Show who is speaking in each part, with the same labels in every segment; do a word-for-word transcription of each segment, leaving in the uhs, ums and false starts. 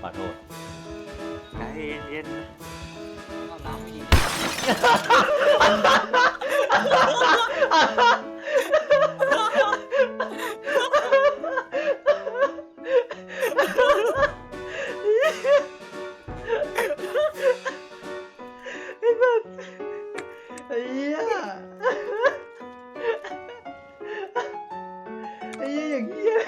Speaker 1: อโทษใจเย็น
Speaker 2: เอาน้ำไปยิง
Speaker 3: ไอ้เหี้ยไอ้เหี้ยอย่างเหี้ย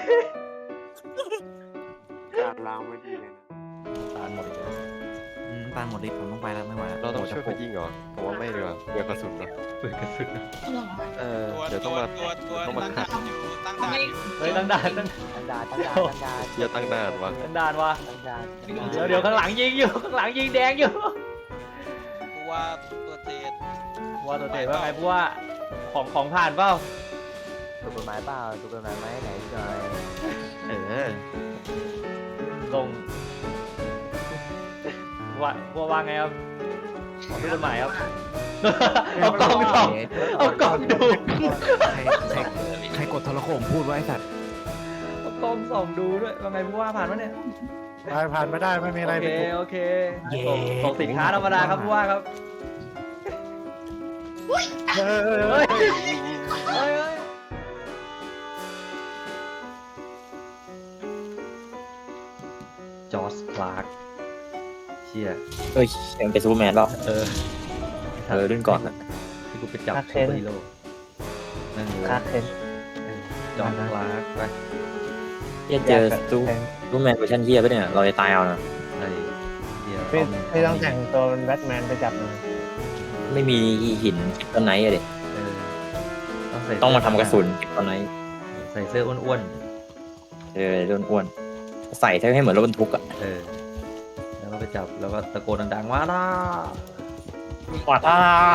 Speaker 1: การล้างไม่ดีเลยนะตาหมดเลย
Speaker 3: อืมตานหมดฤทธิ์ผมต้องไปแล้วไม่ไหวแล้ว
Speaker 4: เราต้องช่วยเขายิงเหรอผมว่าไม่ดีกว่าเบื่อกระสุนเนอะ
Speaker 1: เปิดกระสุน
Speaker 4: เออ
Speaker 5: ตัว
Speaker 4: เดี๋ยวต้
Speaker 5: ตั
Speaker 4: อง
Speaker 5: ว
Speaker 4: มา
Speaker 5: ตัวตัว
Speaker 4: ต้องมา
Speaker 5: ตั้ง
Speaker 4: ขัด
Speaker 5: ด่านอยู่ตั้งด่านอยู่
Speaker 1: เฮ้ยตั้งด่านตั้ง
Speaker 2: ตั้งดานตั้งดานตั้งดาน
Speaker 4: เชียร์ตั้งนานวะ
Speaker 1: ตั้งด่านวะ
Speaker 2: ตั้งดาน
Speaker 1: เดี๋ยวเดี๋ยวข้างหลังยิงอยู่ข้างหลังยิงแดงอยู่
Speaker 5: กูว่าตัวเทศ
Speaker 1: ว่าตัวเตะว่าไงเพราะว่าของของผ่านเปล่า
Speaker 2: ถูกกฎหมายเปล่าถูกกฎหมายไหมไหนหน่อย
Speaker 4: เออ
Speaker 1: ลงว่าว่าว่าไงครับขอดูกฎหมายครับเอากล้องส่องเอากล้องดู
Speaker 3: ใครใครใครกดโทรโข่งพูดไว้ไอ้สัตว์
Speaker 1: เอากล้องส่องดูด้วยว่าไงเพราะว่าผ่านวะเนี่ย
Speaker 6: ผ่านผ่านไม่ได้ไม่มีอะไร
Speaker 1: โอเค
Speaker 6: ผิดกฎ
Speaker 1: โอเคส่งส่งสินค้าธรรมดาครับเพราะว่าครับ
Speaker 6: เออเออเอ
Speaker 1: เฮ้
Speaker 6: อย
Speaker 1: เฮ้ยเฮ้ยจอร์จคลาร์กเชี่ย
Speaker 7: เอ้ยยังเป็นซูเปอร์แมนแล้ว
Speaker 1: เออ
Speaker 7: เออรุ่นก่อนอะ
Speaker 1: ที่กูไปจับซูเปอร์ฮีโร่นั่นเลย
Speaker 2: คาเคน
Speaker 1: จอร์จคลาร์กไป
Speaker 7: เฮียเจอซูซูเปอร์แมนเวอร์ชันเฮียปะเนี่ยเราจะตายเอานะ
Speaker 1: ไอ้เดียว
Speaker 6: ไม่ไม่ต้องแต่งตัวเป็นแบทแมนไปจับมัน
Speaker 7: ไม่มีหินคริปโตไนท์อะเด็
Speaker 1: เออต้องใส่
Speaker 7: ต้องมาทำกระสุนคริปโตไนท์
Speaker 1: ใส่เสื้ออ้วน
Speaker 7: เออรุ่นอ้วนใส่ให้เหมือนรถบรรทุกอะ
Speaker 1: ๆเออแล้วก็ไปจับแล้วก็ตะโกนดังๆว่าล่า
Speaker 7: ว่าถ้า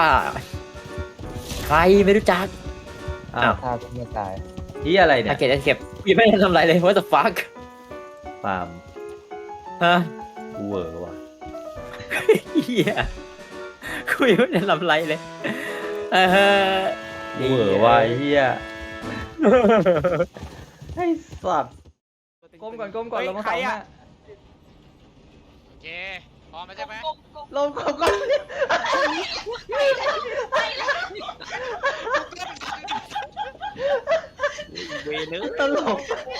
Speaker 7: ใครไม่รู้จัก
Speaker 1: อ้า
Speaker 7: อ้าว ว
Speaker 2: ถ้าจะไม่ตาย
Speaker 1: ที่อะไรเนี่
Speaker 7: ถ้าย เก็บเก็บยังไม่ได้ทำอะไรเลย what the fuck
Speaker 1: ปาล์ม
Speaker 7: ฮะ
Speaker 1: กูเวอร์ว่ะ
Speaker 7: เฮียคุยไม่ได้ทำอะไรเลยเออ
Speaker 1: กูเวอร์ว่ะไอ้เฮียไอ้สัตว์ก้มก่อนก้มก่อนลงมาสองหน้า
Speaker 5: โอเคพร้อมแล้วใช่ไหม
Speaker 1: ลงก้มก่อน
Speaker 5: เวนึก
Speaker 1: ตลก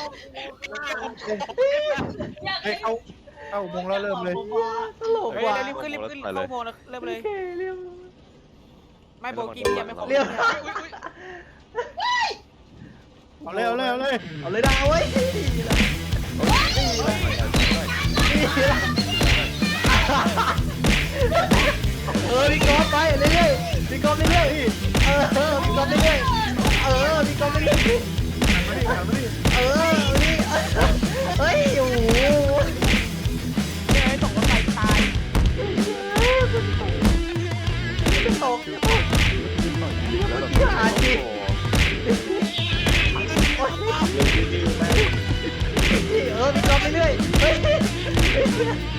Speaker 6: เฮ้ยเข้าเข้าอุโมงค์แล้วเริ่มเลย
Speaker 1: ตลก
Speaker 5: เฮ้ย
Speaker 1: ว่ะ
Speaker 5: รีบขึ้นรีบขึ้นเข้าโพนะเริ่มเลย
Speaker 1: โอเคเรียบ
Speaker 5: ไม่โบกี้ยังไม่ครบ
Speaker 1: เรียบ
Speaker 6: เอาเลยเอาเลยเอาเลย
Speaker 1: เอาเลยดาวเว้ยเออพี่กอล์ฟไปเรื่อยๆพี่กอล์ฟเรื่อยๆเออพี่กอล์ฟเรื่อยๆเออพี่กอล์ฟเรื่อยๆ
Speaker 6: มาดิมาดิ
Speaker 1: เออนี่เฮ้ยโอ้โห
Speaker 5: ไอ้ตกรถไฟตาย
Speaker 1: ตก
Speaker 4: แล้วแบบ
Speaker 1: หาจริง
Speaker 4: โอ้โห
Speaker 1: เออพี่กอล์ฟเรื่อยๆเฮ้ย